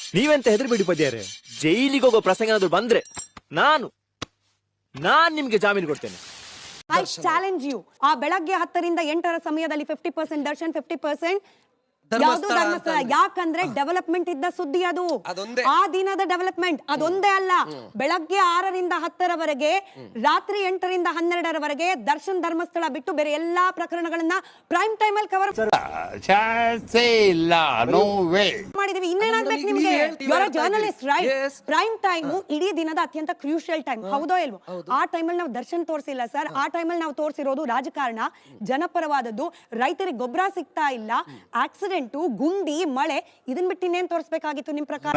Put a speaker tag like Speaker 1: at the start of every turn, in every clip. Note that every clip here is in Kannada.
Speaker 1: ನೀವೆಂತ ಹೆದರ್ಬಿಡಿ ಪದ್ಯಾರೆ. ಜೈಲಿಗೆ ಹೋಗೋ ಪ್ರಸಂಗ ಏನಾದ್ರು ಬಂದ್ರೆ ನಾನ್ ನಿಮ್ಗೆ ಜಾಮೀನು ಕೊಡ್ತೇನೆ.
Speaker 2: I challenge you. ಆ ಬೆಳಗ್ಗೆ 10 ರಿಂದ 8 ಸಮಯದಲ್ಲಿ 50% ದರ್ಶನ್, 50% ಯಾವುದು ಧರ್ಮಸ್ಥಳ. ಯಾಕಂದ್ರೆ ಡೆವಲಪ್ಮೆಂಟ್ ಇದ್ದ ಸುದ್ದಿ ಅದು. ಆ ದಿನದ ಡೆವಲಪ್ಮೆಂಟ್ ಅದೊಂದೇ ಅಲ್ಲ. ಬೆಳಗ್ಗೆ 6 ರಿಂದ 10 ರಾತ್ರಿ 8 ರಿಂದ 12 ದರ್ಶನ್ ಧರ್ಮಸ್ಥಳ ಬಿಟ್ಟು ಬೇರೆ ಎಲ್ಲಾ ಪ್ರಕರಣಗಳನ್ನ ಪ್ರೈಮ್ ಟೈಮ್ ಅಲ್ಲಿ ಕವರ್ ಮಾಡಿದೀವಿ. ಇನ್ನೇನಾಗ್ಬೇಕು ನಿಮ್ಗೆ? You are a journalist right? Prime time ಇಡೀ ದಿನದ ಅತ್ಯಂತ ಕ್ರೂಷಿಯಲ್ ಟೈಮ್, ಹೌದೋ ಇಲ್ವೋ? ಆ ಟೈಮಲ್ಲಿ ನಾವು ದರ್ಶನ್ ತೋರಿಸಿಲ್ಲ ಸರ್. ಆ ಟೈಮಲ್ಲಿ ನಾವು ತೋರಿಸಿರೋದು ರಾಜಕಾರಣ, ಜನಪರವಾದದ್ದು, ರೈತರಿಗೆ ಗೊಬ್ಬರ ಸಿಗ್ತಾ ಇಲ್ಲ, ಆಕ್ಸಿಡೆಂಟ್, ಗುಂಡಿ, ಮಳೆ. ಇದನ್ ಬಿಟ್ಟು ಇನ್ನೇನ್ ತೋರಿಸಬೇಕಾಗಿತ್ತು ನಿಮ್ ಪ್ರಕಾರ?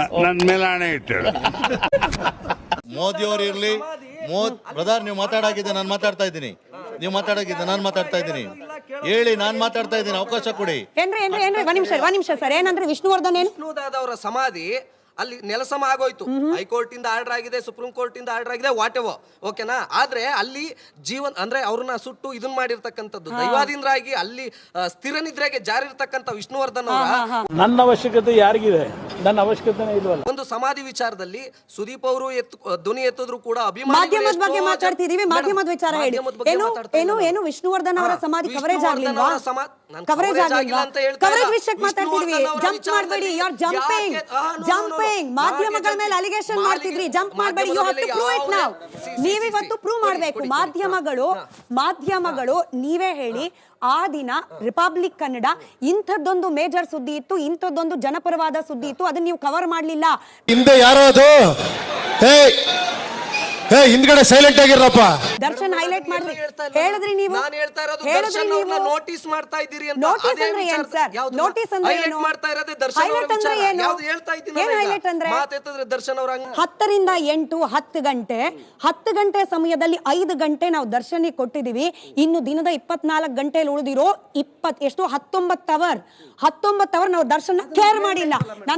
Speaker 3: ಮೋದಿ ಅವರು ಇರ್ಲಿ, ಬ್ರದರ್ ನೀವು ಮಾತಾಡಾಗಿದೆ, ನಾನು ಮಾತಾಡ್ತಾ ಇದ್ದೀನಿ. ನೀವು ಮಾತಾಡಾಗಿದೆ, ನಾನು ಮಾತಾಡ್ತಾ ಇದ್ದೀನಿ. ಹೇಳಿ, ನಾನು ಮಾತಾಡ್ತಾ ಇದ್ದೀನಿ, ಅವಕಾಶ ಕೊಡಿ.
Speaker 2: ಏನ್ರಿ ಒಂದ್ ನಿಮಿಷ ಸರ್. ಏನಂದ್ರೆ ವಿಷ್ಣುವರ್ಧನ್
Speaker 4: ಅವರ ಸಮಾಧಿ ಅಲ್ಲಿ ನೆಲಸಮ ಆಗೋಯ್ತು. ಹೈಕೋರ್ಟ್ ಇಂದ ಆರ್ಡರ್ ಆಗಿದೆ, ಸುಪ್ರೀಂ ಕೋರ್ಟ್ ಇಂದ ಆರ್ಡರ್ ಆಗಿದೆ, ವಾಟ್ ಎವರ್, ಓಕೆನಾ? ಆದ್ರೆ ಅಲ್ಲಿ ಜೀವನ್ ಅಂದ್ರೆ ಅವ್ರನ್ನ ಸುಟ್ಟು ಇದನ್ ಮಾಡಿರ್ತಕ್ಕಂಥದ್ದು ದೈವಾಧೀನರಾಗಿ ಅಲ್ಲಿ ಸ್ಥಿರ ನಿದ್ರೆಗೆ ಜಾರಿರ್ತಕ್ಕಂಥ ವಿಷ್ಣುವರ್ಧನ್ ಅವರ
Speaker 5: ನನ್ನ ಅವಶ್ಯಕತೆ ಯಾರಿಗಿದೆ? ನನ್ನ ಅವಶ್ಯಕತೆನೇ ಇಲ್ವಲ್ಲ.
Speaker 4: ಒಂದು ಸಮಾಧಿ ವಿಚಾರದಲ್ಲಿ ಸುದೀಪ್ ಅವರು ಧ್ವನಿ ಎತ್ತಿದ್ರು ಕೂಡ
Speaker 2: ಮಾಧ್ಯಮದ ಬಗ್ಗೆ ಮಾತಾಡ್ತಿದೀವಿ. ಮಾಧ್ಯಮದ ವಿಚಾರ ಹೇಳಿ. ಏನು ವಿಷ್ಣುವರ್ಧನ್ ಅವರ ಸಮಾಧಿ ಕವರೇಜ್ ಆಗ್ಲಿಲ್ವಾ? ಕವರೇಜ್ ವಿಷಯಕ್ಕೆ ಮಾತಾಡ್ತಿದ್ವಿ. ಜಂಪ್ ಮಾಡಬೇಡಿ. You are jumping. ಮಾಧ್ಯಮಗಳ ಮೇಲೆ ಅಲಿಗೇಷನ್ ಮಾಡ್ತಿದ್ರಿ. ಜಂಪ್ ಮಾಡಬೇಡಿ. You have to prove it now. ನೀವಿವತ್ತು ಪ್ರೂವ್ ಮಾಡಬೇಕು. ಮಾಧ್ಯಮಗಳು ನೀವೇ ಹೇಳಿ. ಆ ದಿನ ರಿಪಬ್ಲಿಕ್ ಕನ್ನಡ ಇಂಥದ್ದೊಂದು ಮೇಜರ್ ಸುದ್ದಿ ಇತ್ತು, ಇಂಥದ್ದೊಂದು ಜನಪರವಾದ ಸುದ್ದಿ ಇತ್ತು, ಅದನ್ನ ನೀವು ಕವರ್ ಮಾಡ್ಲಿಲ್ಲ.
Speaker 3: ಹಿಂದೆ ಯಾರೋ ಅದು ಹಿಂದ್ಗಡೆ ಸೈಲೆಂಟ್ ಆಗಿರಪ್ಪ.
Speaker 2: ದರ್ಶನ್ ಹೈಲೈಟ್ ಮಾಡಿದ್ರಿ, ಹೇಳಿದ್ರಿ ನೀವು.
Speaker 4: ನೋಟಿಸ್ ಮಾಡ್ತಾ ಇದ್ದೀರಿ ಅಂತ.
Speaker 2: ನೋಟಿಸ್ ಅಂದ್ರೆ ಏನು ಸರ್? ನೋಟಿಸ್ ಅಂದ್ರೆ ಏನು? ಹೈಲೈಟ್ ಅಂದ್ರೆ ಏನು? ಏನ್ ಹೈಲೈಟ್ ಅಂದ್ರೆ? 10 ರಿಂದ 8 10 ಗಂಟೆ 10 ಗಂಟೆ ಸಮಯದಲ್ಲಿ 5 ಗಂಟೆ ನಾವು ದರ್ಶನಿಗೆ ಕೊಟ್ಟಿದೀವಿ. ಇನ್ನು ದಿನದ 24 ಗಂಟೆಯಲ್ಲಿ ಉಳಿದಿರೋ 19 ಅವರ್ ನಾವು ದರ್ಶನ ಕೇರ್ ಮಾಡಿಲ್ಲ.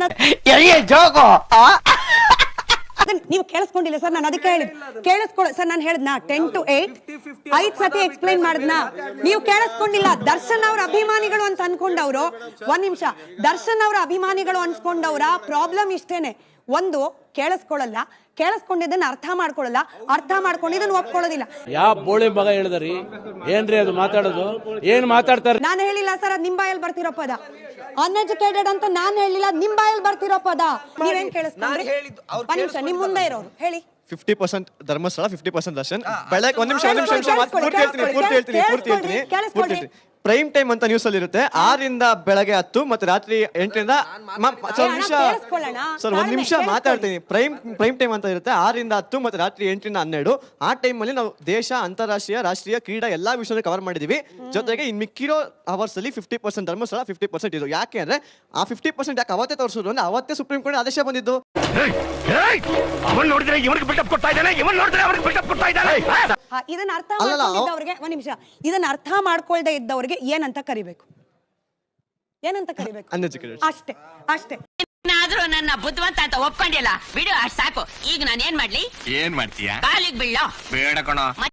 Speaker 2: ನೀವು ಕೇಳಿಸ್ಕೊಂಡಿಲ್ಲ ಸರ್. ನಾನು ಅದಕ್ಕೆ ಹೇಳಿದ್ ಕೇಳಿಸ್ಕೊಳ್ಳ ಸರ್. ನಾನು ಹೇಳಿದ್ನ 10 to 8 5 ಸತಿ ಎಕ್ಸ್ಪ್ಲೈನ್ ಮಾಡಿದ್ನ. ನೀವು ಕೇಳಿಸ್ಕೊಂಡಿಲ್ಲ. ದರ್ಶನ್ ಅವರ ಅಭಿಮಾನಿಗಳು ಅಂತ ಅನ್ಕೊಂಡವ್ರು, ಒಂದ್ ನಿಮಿಷ, ದರ್ಶನ್ ಅವರ ಅಭಿಮಾನಿಗಳು ಅನ್ಸ್ಕೊಂಡವ್ರ ಪ್ರಾಬ್ಲಮ್ ಇಷ್ಟೇನೆ. ಒಂದು, ಕೇಳಿಸ್ಕೊಳ್ಳಲ್ಲ, ಕೇಳಿಸ್ಕೊಂಡಿದ್ದನ್ನ ಅರ್ಥ ಮಾಡ್ಕೊಳ್ಳಲ್ಲ, ಅರ್ಥ ಮಾಡ್ಕೊಂಡಿದ್ದನ್ನ ಒಪ್ಕೊಳ್ಳೋದಿಲ್ಲ.
Speaker 5: ಯಾವ ಬೋಳಿ ಮಗ ಹೇಳಿದ್ರಿ? ಏನ್ರಿ ಅದು ಮಾತಾಡೋದು? ಏನ್ ಮಾತಾಡ್ತಾರೆ?
Speaker 2: ನಾನು ಹೇಳಿಲ್ಲ ಸರ್, ಅದ್ ನಿಮ್ ಬಾಯಲ್ಲಿ ಬರ್ತಿರೋ ಪದ. ಅನ್ಎಜುಕೇಟೆಡ್ ಅಂತ ನಾನು ಹೇಳಿಲ್ಲ, ನಿಮ್ ಬಾಯಲ್ಲಿ ಬರ್ತಿರೋ ಪದ. ನೀವೇನ್ ಕೇಳಿಸ್ಕೊಂಡ್ರಿ? ಒಂದ್ ನಿಮಿಷ, ನಿಮ್ ಮುಂದೆ ಇರೋರು ಹೇಳಿ.
Speaker 1: 50% ಧರ್ಮಸ್ಥಳ, 50% ದರ್ಶನ್. ಬೆಳಗ್ಗೆ ಒಂದ್ ನಿಮಿಷ ಪೂರ್ತಿ ಹೇಳ್ತೀನಿ. ಪ್ರೈಮ್ ಟೈಮ್ ಅಂತ ನ್ಯೂಸ್ ಅಲ್ಲಿ ಇರುತ್ತೆ. 6 ರಿಂದ ಬೆಳಗ್ಗೆ 10 ಮತ್ತೆ ರಾತ್ರಿ 8 ರಿಂದ ಸರ್ ಒಂದ್ ನಿಮಿಷ ಮಾತಾಡ್ತೀನಿ. ಪ್ರೈಮ್ ಟೈಮ್ ಅಂತ ಇರುತ್ತೆ. 6 ರಿಂದ 10 ಮತ್ತೆ ರಾತ್ರಿ 8 ರಿಂದ 12. ಆ ಟೈಮ್ ಅಲ್ಲಿ ನಾವು ದೇಶ, ಅಂತಾರಾಷ್ಟ್ರೀಯ, ರಾಷ್ಟ್ರೀಯ, ಕ್ರೀಡಾ ಎಲ್ಲಾ ವಿಷಯ ಕವರ್ ಮಾಡಿದೀವಿ. ಜೊತೆಗೆ ಇನ್ ಮಿಕ್ಕಿರೋ ಅವರ್ಸ್ ಅಲ್ಲಿ 50% ಧರ್ಮಸ್ಥಳ, 50% ಇದು. ಯಾಕೆ ಅಂದ್ರೆ ಆ 50% ಯಾಕೆ ಅವತ್ತೇ ತೋರಿಸಿದ್ರು ಅಂದ್ರೆ ಅವತ್ತೇ ಸುಪ್ರೀಂ ಕೋರ್ಟ್ ಆದೇಶ ಬಂದಿದ್ದು.
Speaker 2: ಇದನ್ನ ಅರ್ಥ ಮಾಡ್ಕೊಂಡಿದ್ದವ್ರಿಗೆ ಒಂದ್ ನಿಮಿಷ, ಇದನ್ನ ಅರ್ಥ ಮಾಡ್ಕೊಳ್ದೆ ಇದ್ದವ್ರಿಗೆ ಏನಂತ ಕರಿಬೇಕು? ಅಷ್ಟೇ.
Speaker 6: ಆದ್ರೂ ನನ್ನ ಬುದ್ಧಿವಂತ ಅಂತ ಒಪ್ಕೊಂಡಿಲ್ಲ ಬಿಡು, ಅಷ್ಟ್ ಸಾಕು. ಈಗ ನಾನು ಏನ್ ಮಾಡ್ಲಿ?
Speaker 7: ಏನ್ ಮಾಡ್ತೀಯಾ?
Speaker 6: ಕಾಲಿಗೆ ಬೀಳೋ
Speaker 7: ಬೇಡ ಕಣೋ.